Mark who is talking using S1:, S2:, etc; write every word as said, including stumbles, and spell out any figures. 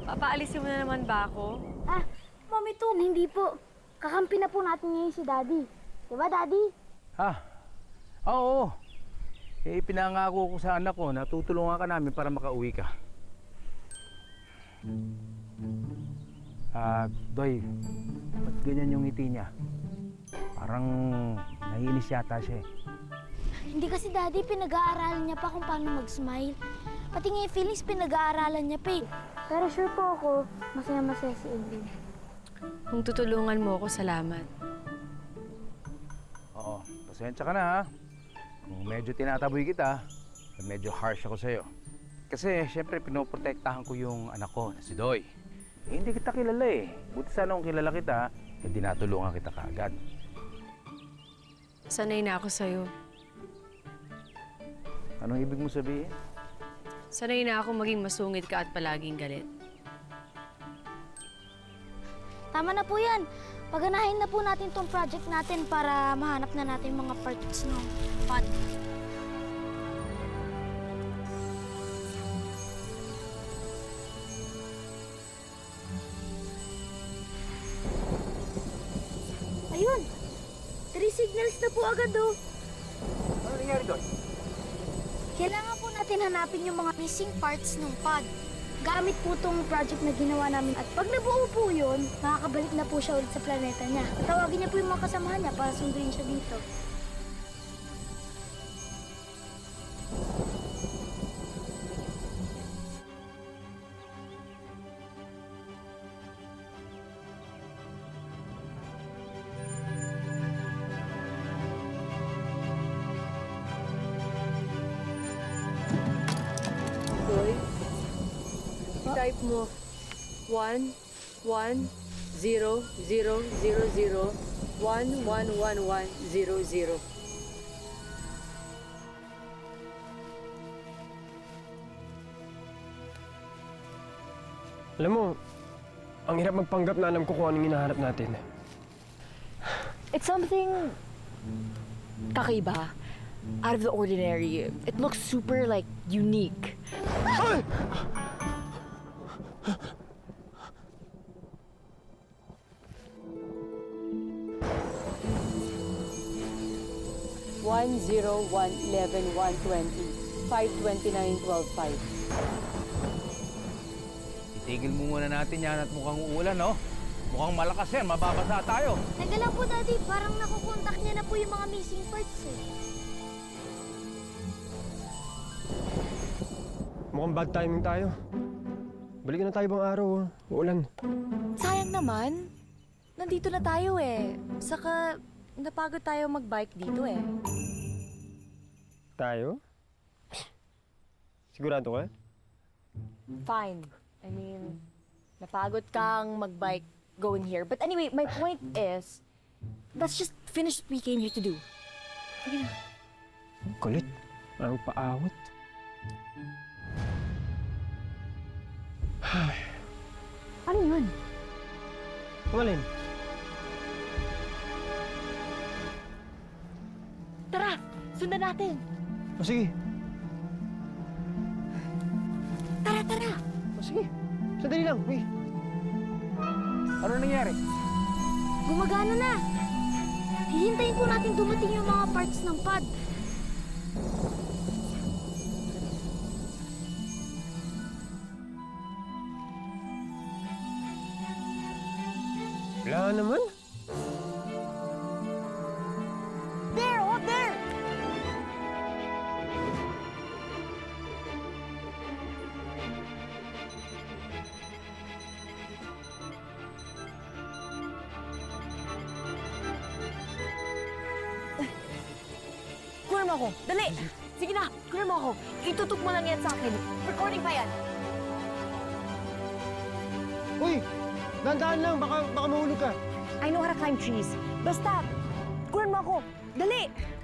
S1: Papaalisin mo na naman ba ako?
S2: Ah, Mami Toon, hindi po. Kakampi na po natin ngayon si Daddy. Diba, Daddy?
S3: Ha? Oo. Eh, pinangako ko sa anak ko na tutulungan ka namin para makauwi ka. Ah, Doy, ba't ganyan yung ngiti niya? Parang naiinis yata siya eh.
S2: Hindi kasi, Daddy, pinag-aaralan niya pa kung paano mag-smile. Pati nga yung feelings, pinag-aaralan niya pa eh. Pero sure po ako, masaya-masaya si Aileen.
S1: Kung tutulungan mo ako, salamat.
S3: Oo, pasensya ka na ha. Kung medyo tinataboy kita, medyo harsh ako sa'yo. Kasi siyempre pinoprotektahan ko yung anak ko na si Doy. Eh, hindi kita kilala eh. Buti sana kung kilala kita, eh dinatulungan kita kaagad.
S1: Sanay na ako sa'yo.
S3: Anong ibig mo sabihin?
S1: Sanay na ako maging masungit ka at palaging galit.
S2: Tama na po yan. Paganahin na po natin tong project natin para mahanap na natin mga parts ng pod. Ayun! Three signals na po agad, oh.
S3: Ano nangyari doon?
S2: Kailangan po natin hanapin yung mga missing parts ng pod. Gamit po tong project na ginawa namin. At pag nabuo po yun, makakabalik na po siya ulit sa planeta niya. Tawagin niya po yung mga kasamahan niya para sunduin siya dito.
S1: Doy, i-type mo one, one, zero, zero, zero, zero, one, one, one, one, zero, zero.
S4: Alam mo, ang hirap magpanggap na alam ko kung anong hinahanap natin.
S5: It's something kakaiba, out of the ordinary. It looks super, like, unique.
S4: Ay!
S1: one, zero, one, eleven, one, twenty, five, twenty-nine, twelve, five.
S3: Itigil mo muna natin yan at mukhang uulan, no? Mukhang malakas yan, mababasa tayo.
S2: Teka lang po, Daddy. Parang nakukontak niya na po yung mga missing parts eh.
S4: Mukhang bad timing tayo. Balikan na tayo bang araw, oh. Uulan.
S5: Sayang naman. Nandito na tayo eh. Saka, napagod tayo mag-bike dito eh.
S4: Tayo? Sigurado ka?
S5: Fine. I mean, napagod kang mag-bike going here. But anyway, my point is, let's just finish what we came here to do. Sige na.
S4: Ang kulit. Ang paawat.
S5: Ano yun?
S4: Malin.
S5: Tara! Sundan natin!
S4: O sige.
S5: Tara, tara!
S4: O sige. Sandali lang. Wait.
S3: Ano nangyari?
S2: Gumagana na. Hihintayin po natin dumating yung mga parts ng pod.
S4: Wala naman.
S5: There! Oh, there! Kunin mo ako! Dali! Sige na! Kunin mo ako! Itutok mo lang yan sa akin. Recording pa yan!
S4: Uy! Dahan-dahan lang. Baka, baka mahulog ka.
S5: I know how to climb trees. Basta, kunin mo ako! Dali!